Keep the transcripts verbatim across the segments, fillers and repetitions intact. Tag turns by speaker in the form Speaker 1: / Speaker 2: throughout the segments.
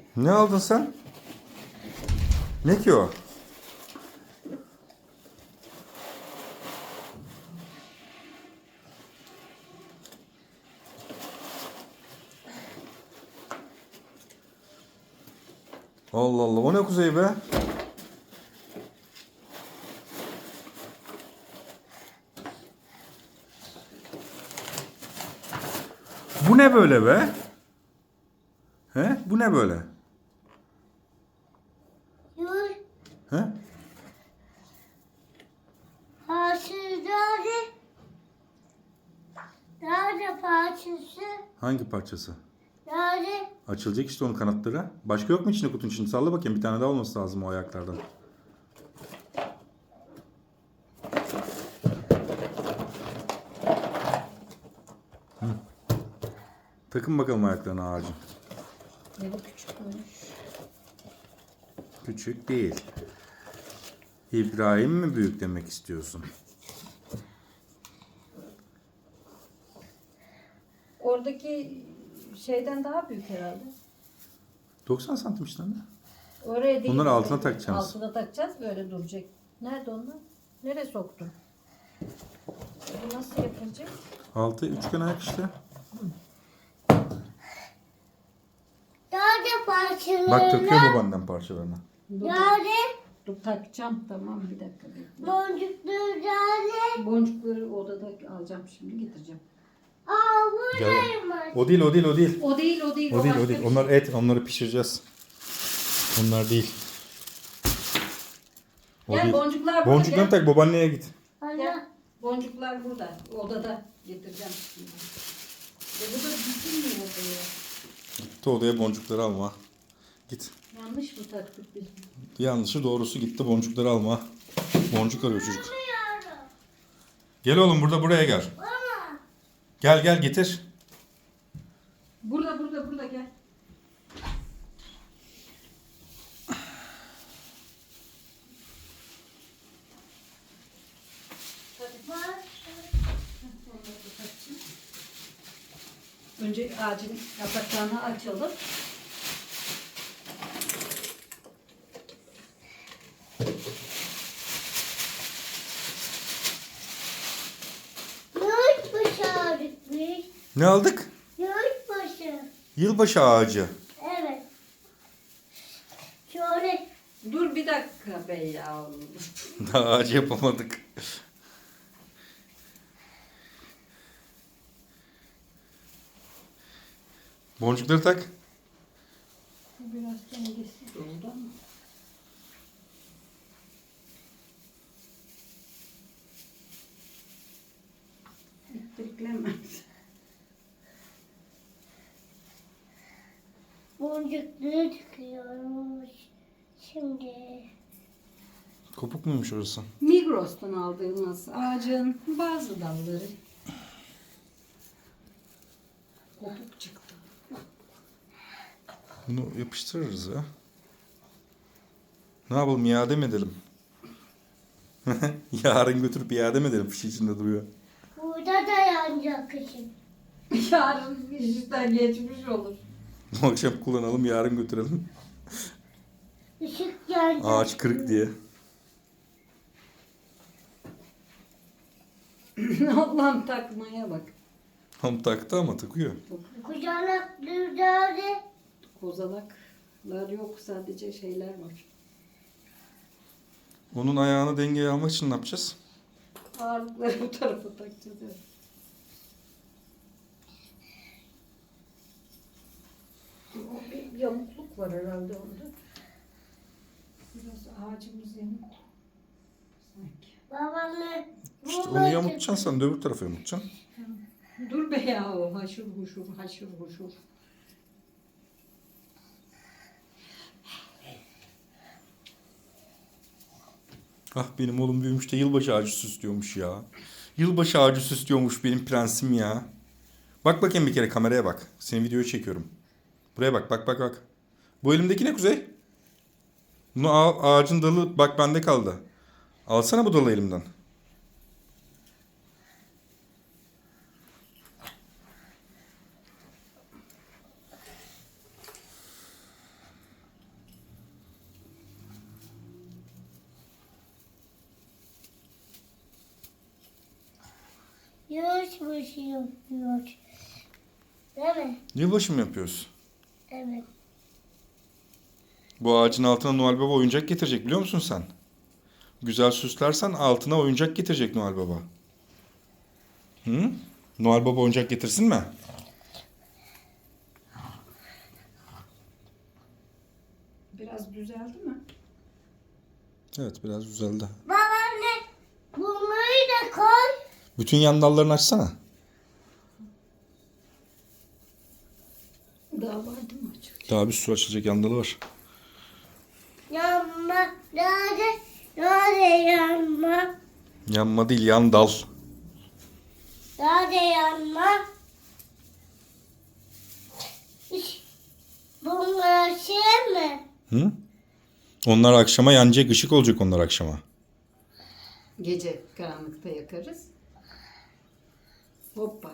Speaker 1: Ne aldın sen? Ne ki o? Allah Allah, o ne Kuzey be? Bu ne böyle be? He? Bu ne böyle?
Speaker 2: Yur.
Speaker 1: He?
Speaker 2: Parçaları. Nerede parçası?
Speaker 1: Hangi parçası?
Speaker 2: Nerede?
Speaker 1: Açılacak işte onun kanatları. Başka yok mu içinde kutunun içinde? Salla bakayım, bir tane daha olması lazım o ayaklardan. Hı. Takın bakalım ayaklarına ağacın.
Speaker 3: Ne bu küçükmüş.
Speaker 1: Küçük değil. İbrahim mi büyük demek istiyorsun?
Speaker 3: Oradaki şeyden daha büyük herhalde.
Speaker 1: doksan santim işte anne.
Speaker 3: Oraya değil.
Speaker 1: Bunları altına
Speaker 3: oraya değil.
Speaker 1: takacağız.
Speaker 3: Altına takacağız, böyle duracak. Nerede onlar? Nereye soktun? Bu nasıl yapılacak?
Speaker 1: Altı üçgen ayak işte.
Speaker 2: Nerede parçaları?
Speaker 1: Bak takıyor babaannem parçalarını.
Speaker 3: Dur, dur,
Speaker 2: Nerede?
Speaker 3: dur takacağım, tamam, bir dakika bekle.
Speaker 2: Boncukları nerede?
Speaker 3: Boncukları odada alacağım, şimdi getireceğim.
Speaker 2: Aa
Speaker 1: Gel.
Speaker 2: buradaymış.
Speaker 1: O değil, o değil, o değil.
Speaker 3: O değil, o değil.
Speaker 1: O değil,
Speaker 3: başka
Speaker 1: o değil.
Speaker 3: bir
Speaker 1: Onlar
Speaker 3: şey.
Speaker 1: et, onları pişireceğiz. Onlar değil. O
Speaker 3: Gel,
Speaker 1: değil.
Speaker 3: boncuklar burada,
Speaker 1: Boncuklarını
Speaker 3: gel.
Speaker 1: tak, babaanneye git.
Speaker 2: Ana.
Speaker 3: Gel. Boncuklar burada, odada getireceğim şimdi. E bu da gitmiyor odaya.
Speaker 1: Gitti odaya boncukları alma. Git.
Speaker 3: Yanlış mı taktık biz?
Speaker 1: Yanlışı doğrusu gitti boncukları alma. Boncuk arıyor çocuk.
Speaker 2: Bilmiyorum.
Speaker 1: Gel oğlum, burada buraya gel.
Speaker 2: Baba.
Speaker 1: Gel gel getir.
Speaker 3: Burada, burada, burada gel.
Speaker 2: Bak.
Speaker 3: Önce ağacın yapraklarını açalım.
Speaker 2: Yurtbaşı aldıkmış.
Speaker 1: Ne aldık?
Speaker 2: Yurtbaşı.
Speaker 1: Yılbaşı ağacı.
Speaker 2: Evet. Şöyle.
Speaker 3: Dur bir dakika be ya.
Speaker 1: Daha ağacı yapamadık. Boncukları tak.
Speaker 3: Biraz dengesiz oldu ama. İttiriklemez.
Speaker 2: Boncukları tıkıyormuş. Şimdi.
Speaker 1: Kopuk muymuş orası?
Speaker 3: Migros'tan aldığımız ağacın bazı dalları kopuk çıktı.
Speaker 1: Bunu yapıştırırız ya. Ne yapalım, iade mi edelim? Yarın götürüp iade mi edelim? Fişi içinde duruyor.
Speaker 2: Burada da yanacak kışın.
Speaker 3: Yarın işten geçmiş olur.
Speaker 1: Bu akşam kullanalım, yarın götürelim.
Speaker 2: Işık yanacak.
Speaker 1: Ağaç kırık diye.
Speaker 3: Allah'ım takmaya bak.
Speaker 1: Tam taktı ama takıyor.
Speaker 2: Kucakları nerede?
Speaker 3: Kozalaklar yok, sadece şeyler var.
Speaker 1: Onun ayağını dengeye almak için ne yapacağız?
Speaker 3: Ağırlıkları bu tarafa takacağız. Evet. O bir yamukluk var herhalde onda. Biraz ağacımız yamuk. Sanki.
Speaker 2: Babamla.
Speaker 1: İşte onu yamutacaksın sen de öbür tarafa yamutacaksın.
Speaker 3: Dur be ya, o haşır huşur haşır huşur.
Speaker 1: Ah, benim oğlum büyümüş de yılbaşı ağacı süslüyormuş ya. Yılbaşı ağacı süslüyormuş benim prensim ya. Bak bakayım bir kere, kameraya bak. Senin videoyu çekiyorum. Buraya bak, bak bak bak. Bu elimdeki ne Kuzey? Bunu al, ağacın dalı bak bende kaldı. Alsana bu dalı elimden.
Speaker 2: Yılbaşı yapıyor. Değil mi?
Speaker 1: Yılbaşı mı yapıyoruz?
Speaker 2: Evet.
Speaker 1: Bu ağacın altına Noel Baba oyuncak getirecek biliyor musun sen? Güzel süslersen altına oyuncak getirecek Noel Baba. Hı? Noel Baba oyuncak getirsin mi?
Speaker 3: Biraz düzeldi mi?
Speaker 1: Evet biraz düzeldi.
Speaker 2: Babaanne bunları da koy.
Speaker 1: Bütün yan dallarını açsana.
Speaker 3: Daha vardı mı açık?
Speaker 1: Daha bir sürü açılacak yan dalı var.
Speaker 2: Yanma. Nerede? Nerede yanma?
Speaker 1: Yanma değil yan dal.
Speaker 2: Nerede yanma? Hiç bunlar şey mi?
Speaker 1: Hı? Onlar akşama yanacak, ışık olacak onlar akşama.
Speaker 3: Gece karanlıkta yakarız. Hoppa.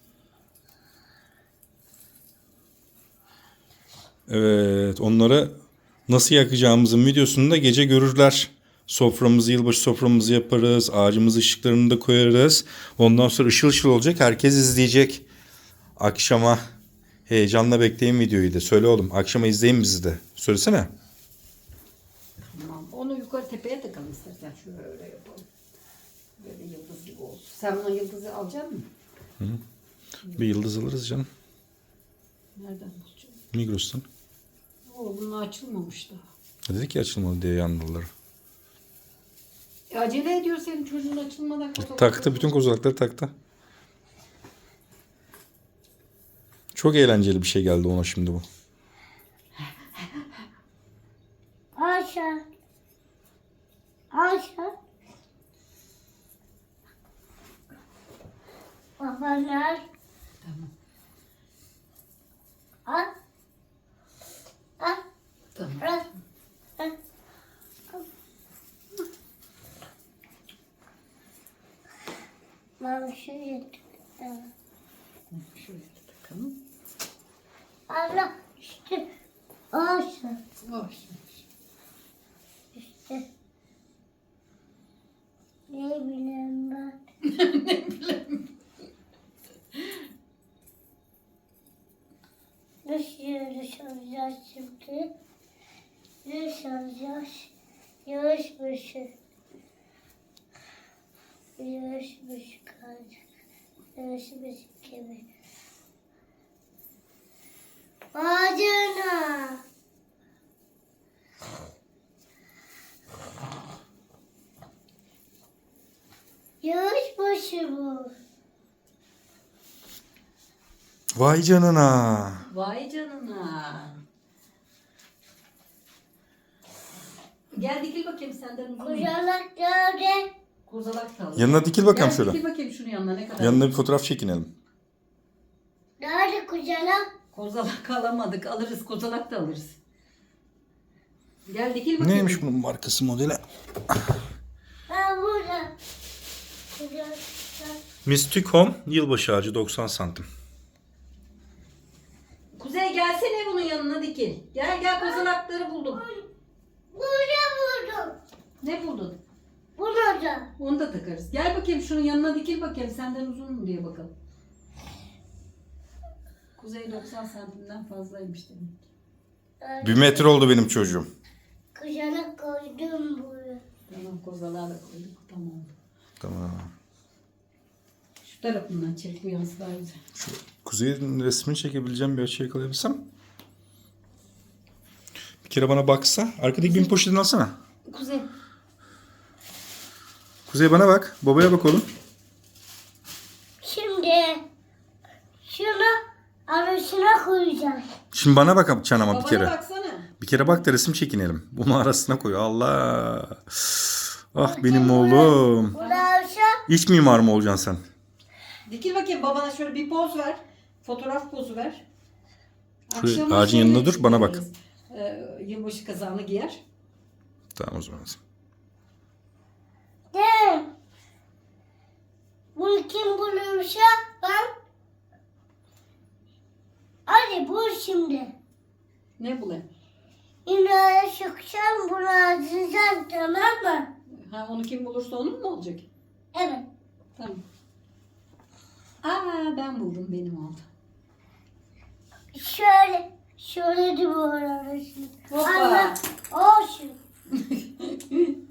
Speaker 1: Evet, onları nasıl yakacağımızın videosunu da gece görürler. Soframızı, yılbaşı soframızı yaparız. Ağacımızı ışıklarını da koyarız. Ondan sonra ışıl ışıl olacak. Herkes izleyecek. Akşama heyecanla bekleyin videoyu da. Söyle oğlum. Akşama izleyin bizi de. Söylesene.
Speaker 3: Tamam. Onu yukarı tepeye takalım istersen. Şöyle yapalım. Böyle yıldız gibi olsun. Sen buna yıldızı alacak mısın?
Speaker 1: Bir yıldız alırız canım.
Speaker 3: Nereden bulacağım?
Speaker 1: Migros'tan.
Speaker 3: Oo, bunun açılmamış daha.
Speaker 1: Dedik ya açılmalı diye yandaları.
Speaker 3: E, acele ediyor senin çocuğun açılmadan.
Speaker 1: Taktı. Bütün kozalakları taktı. Çok eğlenceli bir şey geldi ona şimdi bu.
Speaker 2: Aşağı. Aşağı. Babaanne.
Speaker 3: Tamam.
Speaker 2: Al. Al.
Speaker 3: Tamam.
Speaker 2: Al. Al. Ben şuraya tıkladım.
Speaker 3: Şöyle takalım.
Speaker 2: Allah işte aşağı
Speaker 3: Hoş.
Speaker 2: işte. Ne bileyim ben.
Speaker 3: Ne bileyim.
Speaker 2: Nasıl yarış alacağız şimdi? Yarış alacağız. Yarış başı. Yarış başı kalacak. Yarış başı gibi. Bacana. Yarış başı bu.
Speaker 1: Vay canına.
Speaker 3: Vay canına. Gel dikil bakayım senden uzun.
Speaker 2: Kucalak nerede?
Speaker 3: Kozalak da al.
Speaker 1: Yanına dikil bakalım
Speaker 3: Gel
Speaker 1: şöyle.
Speaker 3: dikil bakayım şunun yanına ne kadar.
Speaker 1: Yanına bir fotoğraf çekinelim.
Speaker 2: Nerede kucalak?
Speaker 3: Kozalak alamadık. Alırız. Kozalak da alırız. Gel dikil bakayım.
Speaker 1: Neymiş bunun markası modeli?
Speaker 2: Ben burada. Kucalak.
Speaker 1: Mystic Home yılbaşı ağacı doksan santim.
Speaker 3: Kuzey gelsene bunun yanına dikil. Gel gel kozalakları buldum.
Speaker 2: Burada buldum.
Speaker 3: Ne buldun?
Speaker 2: Bunu da.
Speaker 3: Onu da takarız. Gel bakayım şunun yanına dikil bakayım. Senden uzun mu diye bakalım. Kuzey doksan santimden fazlaymış demek.
Speaker 1: Bir metre oldu benim çocuğum.
Speaker 2: Kucalak koydum buraya.
Speaker 3: Tamam kozalağı da koyduk. Tamam oldu.
Speaker 1: Tamam.
Speaker 3: Şu tarafından çek bu yansı daha güzel.
Speaker 1: Şu Kuzey'in resmini çekebileceğim bir açı yakalayabilsem. Bir kere bana baksa. Arkadaki bin poşetini alsana.
Speaker 3: Kuzey.
Speaker 1: Kuzey bana bak. Babaya bak oğlum.
Speaker 2: Şimdi şunu arasına koyacağım.
Speaker 1: Şimdi bana bak çanama bir
Speaker 3: Babana
Speaker 1: kere.
Speaker 3: baksana.
Speaker 1: Bir kere bak da resim çekinelim. Bunu arasına koy. Allah. Ah benim oğlum.
Speaker 2: Burası
Speaker 1: İç mimar mı olacaksın sen?
Speaker 3: Dikil bakayım babana şöyle bir poz ver. Fotoğraf pozu ver.
Speaker 1: Şu
Speaker 3: Akşama
Speaker 1: ağacın
Speaker 3: şöyle
Speaker 1: yanında dur, bana bak.
Speaker 3: yaparız. Ee, yılbaşı kazağını giyer.
Speaker 1: Tamam o zaman.
Speaker 2: de. Bunu kim bulursa ben. Hadi bul şimdi.
Speaker 3: Ne bu lan?
Speaker 2: Yine sıkacağım bunu açacağım, tamam mı?
Speaker 3: Ha onu kim bulursa onun mu olacak?
Speaker 2: Evet.
Speaker 3: Tamam. Aa ben buldum, benim oldu.
Speaker 2: Şöyle, şöyle de bu arasını.
Speaker 3: Hoppa.
Speaker 2: Ama o şu.